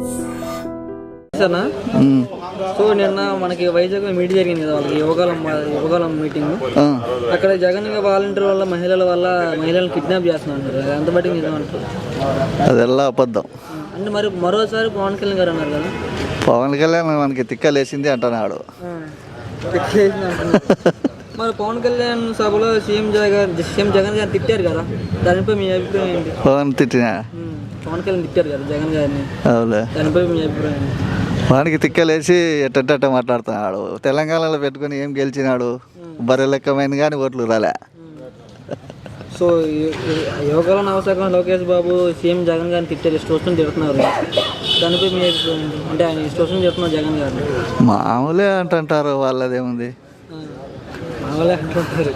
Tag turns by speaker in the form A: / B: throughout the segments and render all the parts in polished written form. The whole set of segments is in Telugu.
A: సో నిన్న మనకి వైజాగ్ మీటింగ్ జరిగింది కదా, వాళ్ళకి యువకాలం మీటింగ్. అక్కడ జగన్ వాలంటీర్ వల్ల మహిళలను కిడ్నాప్ చేస్తున్నారు. ఎంత బట్టి నిజమంటారు?
B: అదెల్లా అబద్ధం.
A: అంటే మరి మరోసారి పవన్ కళ్యాణ్ గారు అన్నారు కదా,
B: పవన్ కళ్యాణ్ మనకి తిక్కలేసింది అంటున్నాడు.
A: మరి పవన్ కళ్యాణ్ సభలో సీఎం జగన్ గారు తిట్టారు కదా, దానిపై మీ అభిప్రాయం ఏంటి?
B: పవన్
A: కళ్యాణ్ తిట్టారు కదా జగన్ గారిని, దానిపై మీ అభిప్రాయం ఏంటి?
B: వానికి తిక్కలేసి ఎట్ట మాట్లాడుతున్నాడు. తెలంగాణలో పెట్టుకుని ఏం గెలిచినాడు? బర్రె లెక్కమైన కానీ ఓట్లు రాలే.
A: సో యువకుల నవశాఖం లోకేష్ బాబు సీఎం జగన్ గారిని తిట్టారు, ఇష్టం తిడుతున్నారు. దానిపై మీ అభిప్రాయం ఏంటి? అంటే ఆయన ఇష్టం తిడుతున్నారు జగన్ గారిని.
B: మామూలే అంటుంటారు, వాళ్ళదేముంది.
A: మామూలే అంటుంటారు.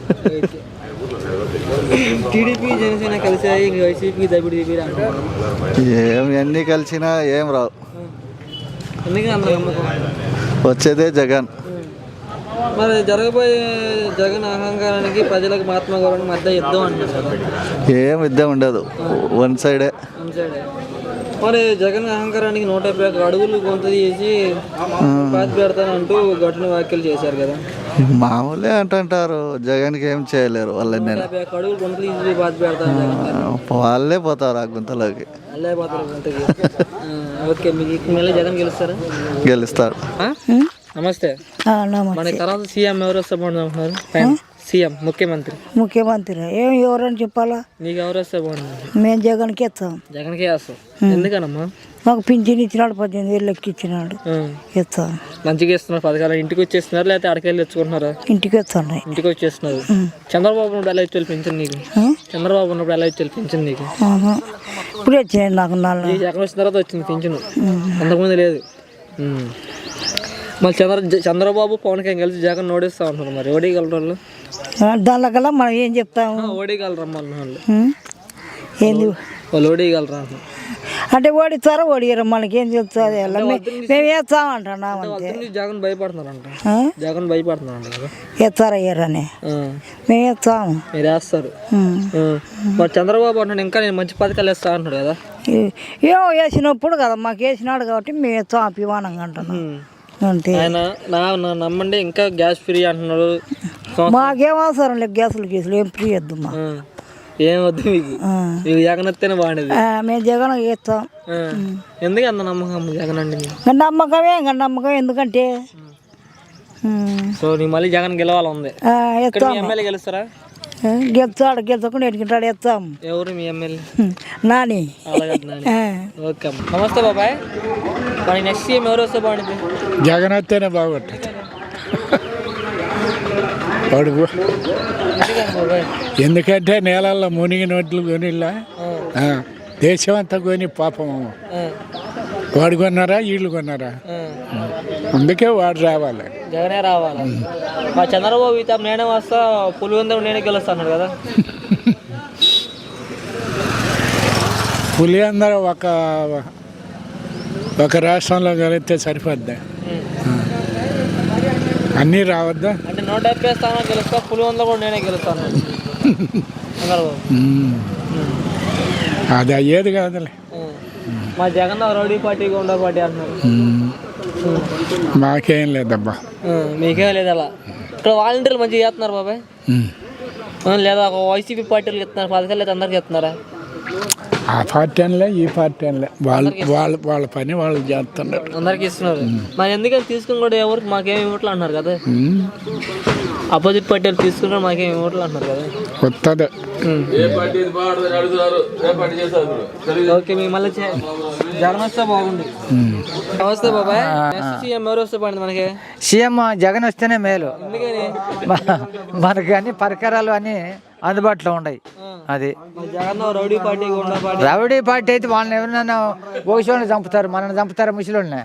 A: టీడీపీ జనసేన కలిసాయి, వైసీపీ దబిడి అంటున్నారు.
B: ఎన్ని కలిసినా ఏం రావు.
A: ఎందుకంటే అందరూ నమ్మకం
B: వచ్చేదే జగన్.
A: మరి జరగబోయే జగన్ అహంకారానికి ప్రజలకు మహాత్మా గౌరవానికి మధ్య యుద్ధం అంటున్నారు.
B: ఏం యుద్ధం ఉండదు, వన్ సైడే.
A: మరి జగన్ అహంకారానికి 150 అడుగులు కొంత చేసి పాతి పెడతానంటూ ఘటన వ్యాఖ్యలు చేశారు కదా.
B: మామూలే అంటుంటారు, జగన్కి ఏం చేయలేరు. వాళ్ళని
A: 150 అడుగులు కొంత తీసి పాతి పెడతాను,
B: వాళ్ళే పోతారు ఆ గుంతలోకి.
A: వాళ్ళే పోతారు గుంతకి. ఓకే, మీకు మళ్ళీ జగన్ గెలుస్తారా?
B: గెలుస్తారు.
A: నమస్తే. మన తర్వాత సీఎం ఎవరు వస్తే బాగుంటుంది? సీఎం ముఖ్యమంత్రి
C: ఎవరని చెప్పాలా?
A: నీకు ఎవరు వస్తే బాగుంటుంది?
C: మేము జగన్కి ఇస్తాం.
A: జగన్కే వేస్తాం. ఎందుకనమ్మా?
C: మాకు పింఛన్ ఇచ్చినాడు, 18,000 లెక్క ఇచ్చినాడు. ఇస్తాం.
A: మంచిగా ఇస్తున్నారు పథకాలు. ఇంటికి వచ్చేస్తున్నారు లేకపోతే అడకెళ్ళి తెచ్చుకుంటున్నారా?
C: ఇంటికి వస్తున్నాయి.
A: ఇంటికి వచ్చేస్తున్నారు. చంద్రబాబు ఉన్నప్పుడు ఎలా ఇచ్చేది పింఛన్ నీకు? చంద్రబాబు ఉన్నప్పుడు ఎలా ఇచ్చేది పింఛన్ నీకు?
C: ఇప్పుడు వచ్చినాయి నాకు.
A: జగన్ వచ్చిన తర్వాత వచ్చింది పింఛను, అంతకుముందు లేదు. మళ్ళీ చంద్రబాబు పవన్ కళ్యాణ్ కలిసి జగన్ ఓడిస్తా ఉంటున్నారు. మరి ఓడిగలరు వాళ్ళు?
C: దానికల్లా మనం ఏం చెప్తాము?
A: ఓడిగలరమ్మా వాళ్ళు.
C: ఏంది
A: వాళ్ళు ఓడిగలరా
C: అంటే? ఓడిస్తారా ఓడియరా మనకేం చెప్తుంది? మేము వేస్తామంటున్నాం అంతే.
A: జగన్ భయపడుతున్నారంట. జగన్ భయపడుతున్నారంట కదా.
C: వేస్తారా అయ్యారని మేము వేస్తాము.
A: మీరు వేస్తారు. మరి చంద్రబాబు అంటున్నాడు ఇంకా నేను మంచి పథకాలు వేస్తా అంటున్నాడు కదా.
C: ఏమో వేసినప్పుడు కదా, మాకు వేసినాడు కాబట్టి మేము వేస్తాం అభిమానంగా అంటున్నాం అంతే.
A: ఆయన నమ్మండి ఇంకా గ్యాస్ ఫ్రీ అంటున్నాడు.
C: మాకేం అవసరం లేదు గ్యాసులు ఏం ఫ్రీ వద్దు మా.
A: ఏం వద్దు మీకు? మీకు జగన్ వస్తేనే బాగుండేది.
C: మేము జగన్ వేస్తాం.
A: ఎందుకు అంత నమ్మకం జగన్ అండి?
C: నమ్మకం ఎందుకంటే
A: సో నీ మళ్ళీ జగన్ గెలవాలి ఉంది. ఎమ్మెల్యే గెలుస్తారా?
C: గెలుచకుండా ఎట్టుకుంటాడు వేస్తాం.
A: ఎవరు మీ ఎమ్మెల్యే?
C: నాని.
A: ఓకే, నమస్తే బాబాయ్. మరి నెక్స్ట్ సీఎం ఎవరు వస్తే బాగుంటుంది?
D: జగన్ వస్తేనే బాగుంటుంది. అడుగు ఎందుకంటే నేలల్లో మునిగి నోట్లు కొనిలా, దేశం అంతా కొని పాపం. వాడు కొన్నారా వీళ్ళు కొన్నారా? అందుకే వాడు రావాలి,
A: జగనే రావాలి. మా చంద్రబాబు ఇత నేనే వస్తా, పులివెందులు నేనే గెలుస్తాను కదా.
D: పులివెందులు ఒక రాష్ట్రంలో కలిస్తే సరిపోద్దా? అన్నీ రావద్దా?
A: అంటే 170 స్థానాలు గెలుస్తా, పులివెందులు కూడా నేనే గెలుస్తాను చంద్రబాబు.
D: అది అయ్యేది కాదులే.
A: మా జగన్ రౌడీ పార్టీ గుండా పార్టీ అంటున్నారు.
D: మాకేం లేదబ్బా.
A: మీకేం లేదు అలా. ఇక్కడ వాలంటీర్లు మంచిగా చేస్తున్నారు బాబాయ్, లేదా ఒక వైసీపీ పార్టీలు ఇస్తున్నారు పథకాలు, లేదా అందరికి ఇస్తున్నారా?
D: ఆ పార్టీ అనలే ఈ పార్టీ అనలే, వాళ్ళ పని వాళ్ళు చేస్తున్నారు,
A: అందరికి ఇస్తున్నారు. మరి ఎందుకని తీసుకుని కూడా ఎవరికి మాకేమి ఇవ్వట్లు అంటున్నారు కదా. అపోజిట్ పార్టీలు తీసుకుని మాకేమి ఇవ్వట్లు అంటున్నారు కదా.
D: కొత్తది
A: ఓకే, మీ మళ్ళీ జగన్ వస్తే బాగుంది. నమస్తే బాబాయ్. సీఎం ఎవరు వస్తే బాగుంది మనకి?
E: సీఎం జగన్ వస్తేనే మేలు.
A: ఎందుకని?
E: మనకి అన్ని పరికరాలు అన్ని అందుబాటులో ఉన్నాయి. అది రౌడీ పార్టీ అయితే వాళ్ళని ఎవరైనా భవిష్యత్తులో చంపుతారు, మనల్ని చంపుతారు ముసలిని.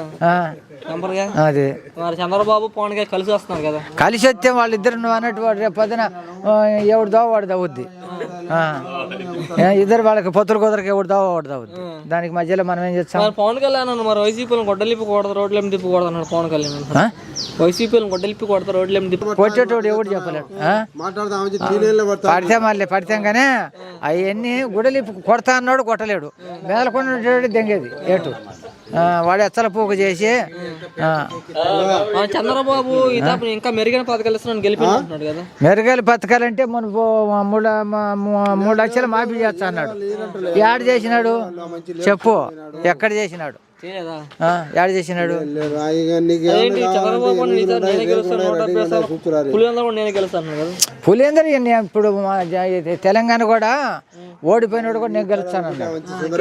E: అది
A: చంద్రబాబు పవన్ గారు కలిసి వస్తున్నారు కదా.
E: కలిసి వస్తే వాళ్ళిద్దరు నువ్వు అన్నట్టు వాడు రేపు పొద్దున ఎవడు వాడు దవ్వుద్ది. ఇద్దరు వాళ్ళకి పొత్తులు కుదరకి ఎవడు వాడు దవ్వుద్ది. దానికి మధ్యలో మనం ఏం చేస్తాం?
A: పవన్ కళ్యాణ్ మరి వైసీపీలను గొడ్డలిప్పి కొడతారు, రోడ్లు తిప్పకూడదు అన్నాడు పవన్ కళ్యాణ్. వైసీపీలను గొడ్డలిప్పి కొడతారు, రోడ్లు తిప్పి
E: కొట్టేటోడు ఎవడు చెప్పలేడు. పడితే మళ్ళీ పడితేం కానీ అవన్నీ గుడలిప్పి కొడతా అన్నాడు, కొట్టలేడు. మేదలకొండ దెంగేది ఏటు. వాడు ఎచ్చల పూక చేసి
A: చంద్రబాబు ఇతను ఇంకా మెరుగైన పథకాలు ఇస్తున్నాను గెలిపించుకుంటున్నాడు కదా.
E: మెరుగైన పథకాలంటే మన 3 లక్షలు మాఫీ చేస్తా అన్నాడు. యాడ్ చేసినాడు చెప్పు, ఎక్కడ చేసినాడు?
A: చేయలేదా?
E: యాడ్ చేసినాడు.
A: అదేంటి చంద్రబాబు నేనే గెలుస్తాను 170 సార్లు, పులివెందుల కూడా నేనే గెలుస్తాను కదా.
E: పులిందరు ఇప్పుడు తెలంగాణ కూడా ఓడిపోయినాడు కూడా నేను గెలుస్తాను అన్నాడు.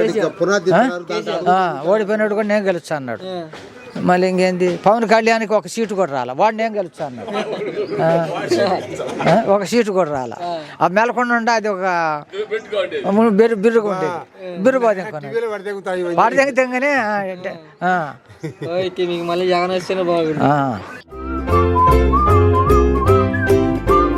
E: ఓడిపోయినాడు కూడా నేను గెలుస్తా అన్నాడు. మళ్ళీ ఇంకేంది, పవన్ కళ్యాణ్కి 1 సీటు కూడా రాలా, వాడు నేను గెలుస్తా అన్నాడు. 1 సీటు కూడా రాలా. ఆ మెలకొండ ఉండే అది ఒక బిర్రుగా ఉండేది, బిర్రు బాధ వాడి తెంగనే
A: మీకు మళ్ళీ జగన్ వస్తేనే బాగుంది.